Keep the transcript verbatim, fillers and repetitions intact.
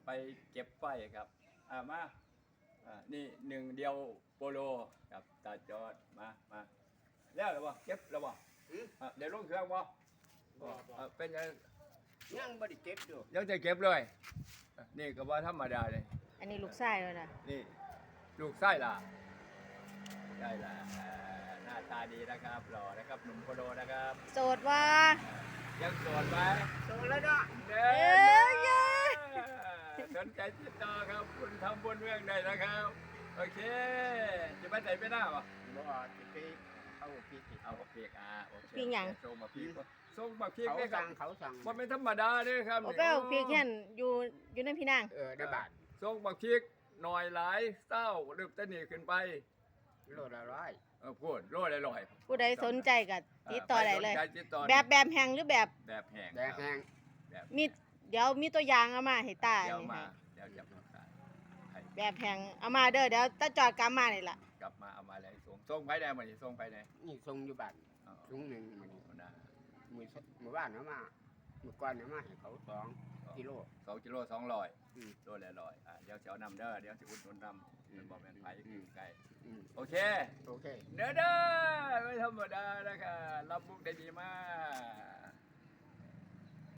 ไปเก็บไฟครับอ่ามาอ่านี่หนึ่งเดียวโปโลกับตาจอดมามาแล้วหรือเปล่าเก็บแล้วเปล่าอ่าเดี๋ยวลงเครื่องบ่อ่าเป็นยังยังบ่ได้เก็บอยู่ยังจะเก็บเลยอ่ะนี่ก็ว่าธรรมดาเลยอันนี้ลูกชายเลยนะนี่ลูกไส้ล่ะได้ล่ะอ่าหน้าตาดีนะครับหล่อนะครับหนุ่มโปโลนะครับโสดว่ายังโสดไหมโตแล้วเนาะเด้เอ้ยเย้สนใจติดต่อครับคุณทำบุญเรื่องใดนะครับ โอเค จะไปไหนไปหน้าปะบ่สิไปเอาพี่สิเอาเพียกอ่ะโอเคพี่หยังส่งมาพีกส่งมาพีกเขาได้ครัสั่บงเขาสั่งมันไม่ธรรมดาเด้อครับโอ้ไปเอาพี่แค่นอยู่อยู่ในพี่นางเออได้บาทส่งมาพีกหน่อยหลายเศร้าเริ่มต้นนี่ขึ้นไปโลละร้อยเออพูดโลดลอยๆผู้ใดสนใจก็ติดต่อได้เลยใครสนใจติดต่อแบบแบบแห้งหรือแบบแบบแห้งแดงแห้งแบบมีเดี๋ยวมีตัวอย่างเอามาให้ตาเดี๋ยวนี่มาให้เดี๋ยวจะประสานให้แบบแห้งเอามาเด้อเดี๋ยวตาจอดกลับมานี่ล่ะกลับมาเอามาเลยส่งส่งไปได้หมดส่งไปได้นี่ส่งอยู่บ้านอ๋อถุงหนึงมันนะมือเมื่อวานเอามาเมื่อก่อนเอามาให้เขาสองกิโลสองกิโลสองร้อยอืมโลละร้อยอ่ะเดี๋ยวจะเอานำเด้อเดี๋ยวจะอุดหนุนนำมันบอกเป็นไผ่คือไก่อืมโอเคโอเคเด้อเด้อไม่ธรรมดานะคะรับมุกได้ดีมาก